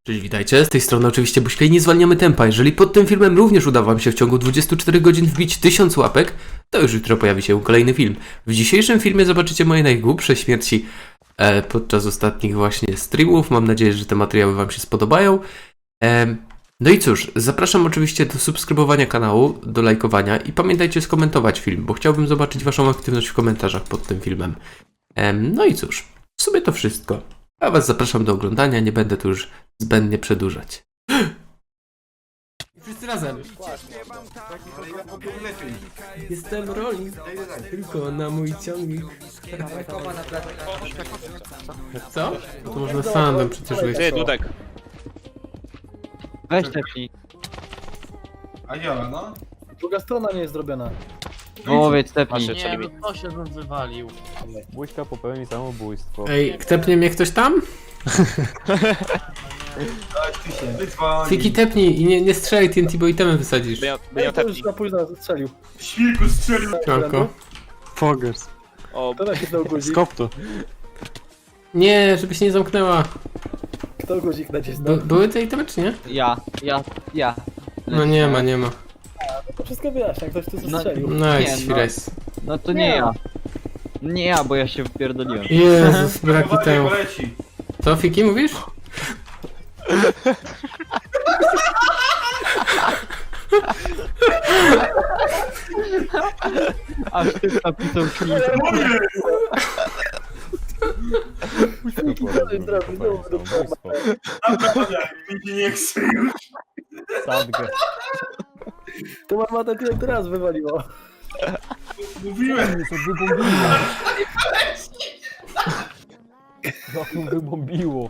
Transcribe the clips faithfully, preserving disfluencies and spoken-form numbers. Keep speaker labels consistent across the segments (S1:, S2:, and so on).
S1: Cześć, witajcie, z tej strony oczywiście Buźka i nie zwalniamy tempa. Jeżeli pod tym filmem również uda wam się w ciągu dwudziestu czterech godzin wbić tysiąc łapek, to już jutro pojawi się kolejny film. W dzisiejszym filmie zobaczycie moje najgłupsze śmierci e, podczas ostatnich właśnie streamów. Mam nadzieję, że te materiały wam się spodobają. E, no i cóż, zapraszam oczywiście do subskrybowania kanału, do lajkowania i pamiętajcie skomentować film, bo chciałbym zobaczyć waszą aktywność w komentarzach pod tym filmem. E, no i cóż, w sumie to wszystko. A was zapraszam do oglądania, nie będę tu już zbędnie przedłużać. Wszyscy razem. Jestem rolnik, tylko na mój ciągnik. Co? No to można sandem przecież wyjść.
S2: Ty, Dudek.
S3: Weź tepnij.
S4: A ja, no?
S5: Druga strona nie jest zrobiona.
S3: Powiedz tepnij.
S2: Masz
S6: Nie, no to się bym wywalił.
S7: Buźka popełni samobójstwo.
S1: Ej, ktepnie mnie ktoś tam?
S4: Tak, ty się wyzwani.
S1: Fiki tepnij i nie, nie strzelaj T N T, bo itemy wysadzisz.
S2: By ja, by
S5: Ej,
S2: ja
S5: to już
S2: tepnij.
S5: za późno strzelił.
S4: Świrku strzelił.
S1: Ciąko.
S7: Fogers.
S2: O,
S5: Kto nacisnął guzik?
S7: Skop to.
S1: Nie, żeby się nie zamknęła.
S5: Kto guzik nacisnął?
S1: By, były te itemy czy nie?
S3: Ja, ja, ja.
S1: No nie ma, nie ma.
S5: To wszystko wyjaśnia, ktoś tu
S3: No,
S5: strzelił.
S1: Nice,
S3: Nie, no.
S1: Fires.
S3: No to nie ja. Nie ja, bo ja się wpierdoliłem.
S1: Jezus, brak
S4: Uważaj,
S1: itemu.
S4: bo leci.
S1: Co, Fiki, mówisz?
S3: Aż ty napisał klip.
S7: Samobójstwo.
S4: Naprawdę, mi się nie chce już.
S7: Sadgę.
S5: To mama tak jak teraz wywaliło.
S4: Mówiłem.
S7: Mnie to wybombiło. No to wybombiło.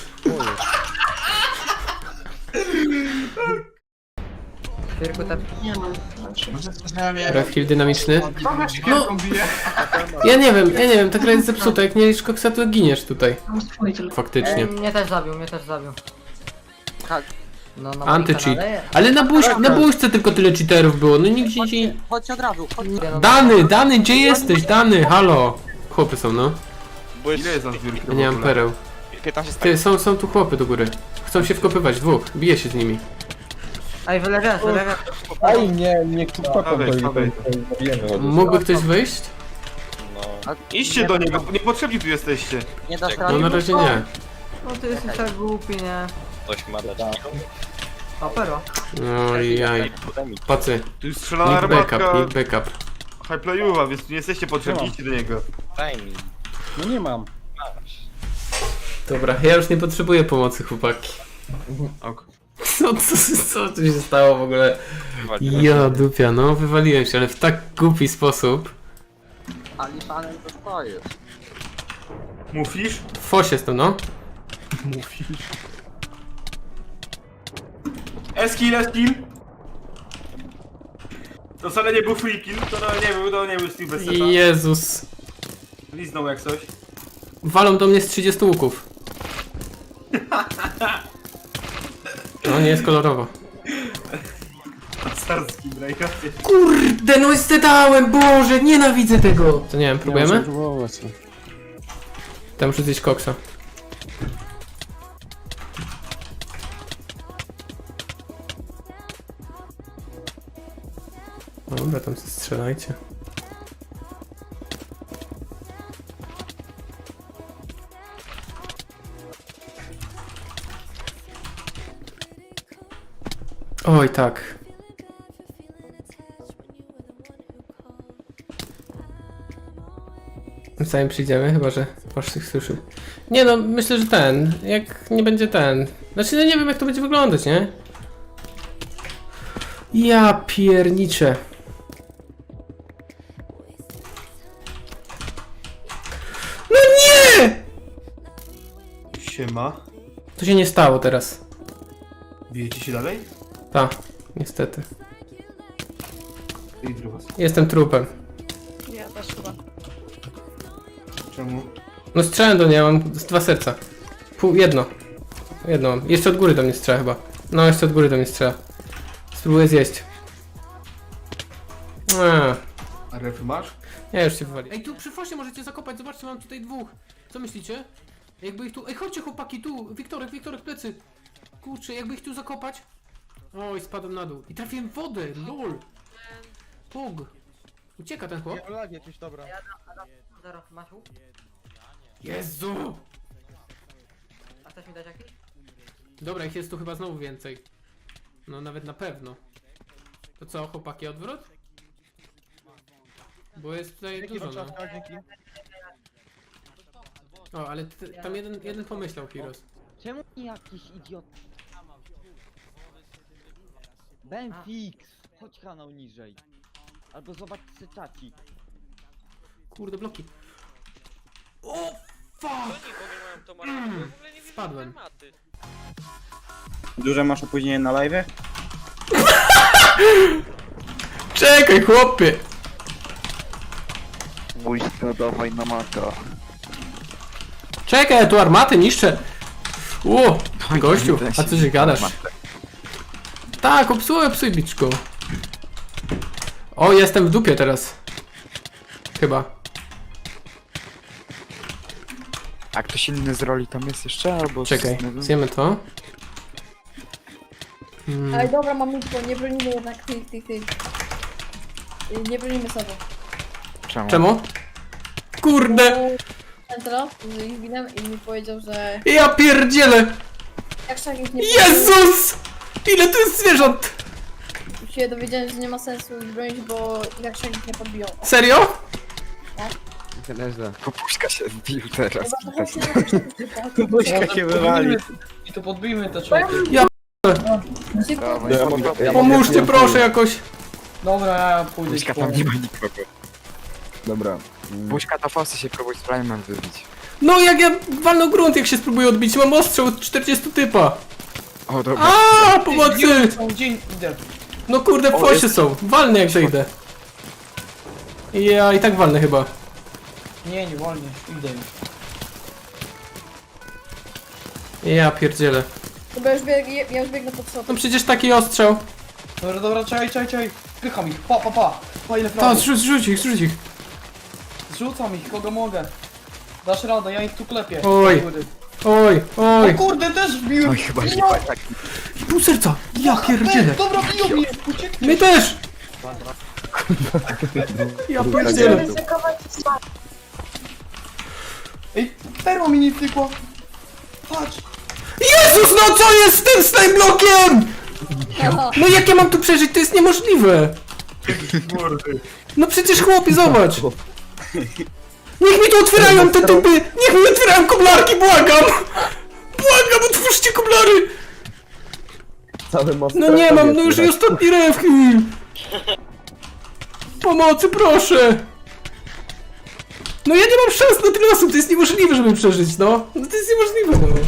S1: Refkill dynamiczny. No, ja nie wiem, ja nie wiem, ta gra jest zepsuta, jak nie liczysz koksa, to giniesz tutaj. Faktycznie.
S6: Mnie też zabił, mnie też zabił.
S3: Tak.
S6: No, no,
S1: Anty-cheat. Ale na, buź, na buźce tylko tyle cheaterów było, no nigdzie ci...
S3: Chodź od razu, chodź.
S1: Dany, Dany, gdzie jesteś? Dany, halo. Chłopy są, no.
S2: byłeś
S4: Ile jest na zbiórki?
S1: Ja nie mam pereł.
S2: piętnaście
S1: Ty,
S2: stek.
S1: są, są tu chłopy do góry. Chcą się wkopywać, dwóch. Biję się z nimi.
S6: Ej, wylewiam, wylewiam.
S5: Ej, nie, nie
S4: Dawaj, dawaj.
S1: Mógłby ktoś wyjść?
S4: Idźcie do niego, niepotrzebni tu jesteście.
S3: Nie dasz
S1: No
S3: rady.
S1: na razie nie.
S6: No ty jesteś tak głupi, nie?
S2: Ktoś ma dać.
S6: O, pero.
S1: No i jaj. Pacy.
S4: Tu jest strzelana
S1: Need backup,
S4: armatka.
S1: need backup.
S4: Highplayuwa, więc tu nie jesteście potrzebni, idźcie do niego.
S2: Daj mi.
S5: No nie mam.
S1: Dobra, ja już nie potrzebuję pomocy, chłopaki.
S4: Ok.
S1: Co, co, co tu się stało w ogóle? Ja dupia, no wywaliłem się, ale w tak głupi sposób.
S3: Ali panem to stoisz.
S4: Mówisz?
S1: W fosie jestem, no.
S4: Eskill, eskill. To wcale nie był free kill, to no, nie był, to nie był Steve bez seta.
S1: Jezus.
S4: Liznął jak coś.
S1: Walą do mnie z trzydziestu łuków. No nie jest kolorowo.
S4: Starski, brajka.
S1: Kurde, no zdedałem, Boże, nienawidzę tego. To nie wiem, próbujemy?
S7: Próbować.
S1: Tam muszę zjeść koksa. Dobra, tam się strzelajcie. Oj, tak. Zanim przyjdziemy, chyba że Pasz tych słyszy. Nie no, myślę, że ten. Jak nie będzie ten. Znaczy, no nie wiem jak to będzie wyglądać, nie? Ja pierniczę. No nie!
S4: Siema.
S1: To się nie stało teraz.
S4: Bijecie się dalej?
S1: Ta, niestety.
S4: I druga.
S1: Jestem trupem.
S4: Czemu?
S1: No strzelę do niej, mam dwa serca. Pół, jedno. Jedno mam. Jeszcze od góry do mnie strzela chyba. No, jeszcze od góry do mnie strzela. Spróbuję zjeść. Eee.
S4: A refy masz?
S1: Ja już się wywali. Ej, tu przy fosie możecie zakopać, zobaczcie, mam tutaj dwóch. Co myślicie? Jakby ich tu... Ej, chodźcie chłopaki, tu! Wiktorek, Wiktorek, plecy! Kurczę, jakby ich tu zakopać? Oj, spadłem na dół. I trafiłem w wodę, lol. Pog. Ucieka ten chłop.
S5: Lag jakieś, dobra.
S6: Zero, masz łuk?
S1: Jezu!
S6: A chcesz mi dać jakiś?
S1: Dobra, ich jest tu chyba znowu więcej. No nawet na pewno. To co, chłopaki, odwrót? Bo jest tutaj dużo, no.
S5: dzięki.
S1: O, ale t- tam jeden, jeden pomyślał, Heroes.
S3: Czemu nie jakiś idiot? Benfix! Chodź kanał niżej. Albo zobacz czacik.
S1: Kurde, bloki. O, fuck!
S2: Oni w ogóle mają tą armatę, bo ja w ogóle nie widzę
S1: Spadłem.
S2: armaty.
S8: Duże masz opóźnienie na live?
S1: Czekaj, chłopie!
S9: Błyska, dawaj na maka.
S1: Czekaj, ja tu armaty niszczę. Ło, gościu, a co się gadasz? Tak, obsłuchaj, psuj biczku. O, jestem w dupie teraz. Chyba.
S9: A ktoś inny z roli tam jest jeszcze, albo...
S1: Czekaj,
S9: z-
S1: zjemy to. Hmm.
S10: Ale dobra, mamutko, nie bronimy jednak tych, tych, tych. Y, Nie bronimy sobie.
S9: Czemu?
S1: Czemu? Kurde!
S10: Centra z ich winem i mi powiedział, że
S1: Ja pierdzielę!
S10: jak szak ich nie
S1: Jezus! Ile tu jest zwierząt?
S10: podbiją, się dowiedziałem, że nie ma sensu ich bronić, bo jak szak ich nie podbiją.
S1: Serio?
S9: Popuszka się wbił teraz.
S10: Chyba to właśnie na to
S8: Buźka się wywali.
S5: I to podbijmy te człowieki.
S10: szybko.
S1: Pomóżcie proszę jakoś.
S5: Dobra, ja pójdę.
S9: Buźka tam nie ma nikogo. Dobra. Buźka to fosy się próbuj z Prime'em wybić.
S1: No jak ja walnę grunt, jak się spróbuję odbić, mam ostrzał od czterdziestu typa.
S9: O dobra.
S1: A pomocy!
S5: Dzień, idę.
S1: No kurde, w
S9: O,
S1: fosie
S9: jest-
S1: są. Walnę jak zejdę. Ja i tak walnę chyba.
S5: Nie, nie wolnie, idę.
S1: Ja pierdzielę.
S10: Dobra, już bieg, ja już biegnę pod
S1: No
S10: sofę.
S1: przecież taki ostrzał.
S5: Dobra, dobra, czekaj, czekaj, czekaj. Pycham ich, pa, pa, pa. Pa, ile
S1: To,
S5: prawo.
S1: zrzuć, zrzuć ich, zrzuć ich.
S5: Zrzucam ich, kogo mogę. Dasz radę, ja ich tu klepię.
S1: Oj.
S5: Do góry.
S1: Oj, oj.
S5: O kurde, też wbiłem.
S9: Oj, chyba nie ma tak.
S1: Pół serca. Ja pierdzielę.
S5: Dobra, biją mnie, ucieknie.
S1: My też. Ja pierdzielę.
S5: Ej, perła mi nie wtykła. Patrz.
S1: Jezus, no co jest z tym snajblokiem? No jak ja mam tu przeżyć? To jest niemożliwe. No przecież chłopie, zobacz. Niech mi tu otwierają te typy. Niech mi otwierają koblarki, błagam. Błagam, otwórzcie koblary. No nie mam, no już i ostatni rewki. Pomocy, proszę. No ja nie mam szans na tyle osób, to jest niemożliwe, żeby przeżyć, no. No to jest niemożliwe, no.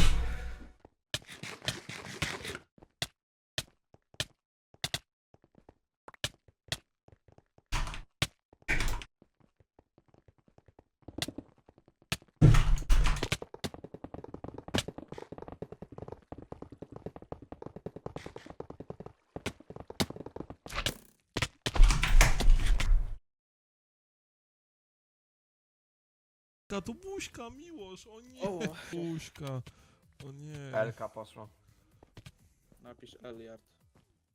S11: To buźka, miłość, o nie, buźka, o nie.
S4: Elka poszła.
S5: Napisz Eliard.